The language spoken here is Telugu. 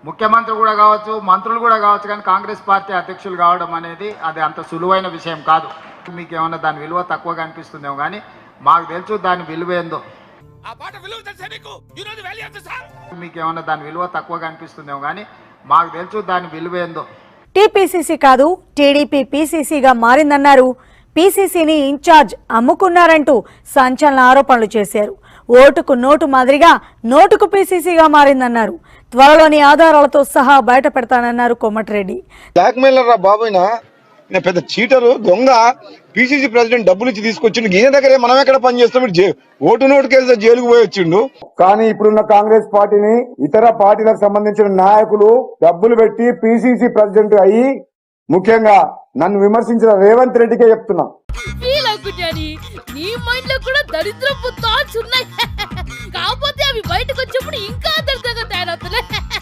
ముఖ్యమంత్రి కూడా కావచ్చు, మంత్రులు కూడా కావచ్చు, కానీ కాంగ్రెస్ పార్టీ అధ్యక్షులు కావడం అనేది అది అంత సులువైన విషయం కాదు. మీకు ఏమన్నా దాని విలువ తక్కువగా అనిపిస్తుందేమో, కానీ మాకు తెలుసు దాని విలువ ఏందో. మీకు ఏమన్నా దాని విలువ తక్కువగా అనిపిస్తుందేమో, కానీ మాకు తెలుసు దాని విలువ ఏందో. టీపీసీసీ కాదు టీడీపీ పీసీసీగా మారిందన్నారు. పీసీసీని ఇన్ఛార్జ్ అమ్ముకున్నారంటూ సంచలన ఆరోపణలు చేశారు. ఓటుకు నోటు మాదిరిగా నోటుకు పీసీసీగా మారిందన్నారు. త్వరలోని ఆధారాలతో సహా బయట పెడతానన్నారు కోమటిరెడ్డి. బ్లాక్ మెయిలర్ రా బాబుయినా, పెద్ద చీటరు దొంగ. పీసీసీ ప్రెసిడెంట్ డబ్బులు ఇచ్చి తీసుకొచ్చిండు. ఈయన దగ్గరే మనం ఎక్కడ పని చేస్తాం? ఓటు నోటు కేసు జైలుకు పోయి వచ్చిండు. కానీ ఇప్పుడున్న కాంగ్రెస్ పార్టీని ఇతర పార్టీలకు సంబంధించిన నాయకులు డబ్బులు పెట్టి పీసీసీ ప్రెసిడెంట్ అయ్యి, ముఖ్యంగా నన్ను విమర్శించిన రేవంత్ రెడ్డికే చెప్తున్నా, నీ మైండ్ లో కూడా దరిద్రపు థాట్స్ ఉన్నాయి, కాకపోతే అవి బయటకు వచ్చినప్పుడు ఇంకా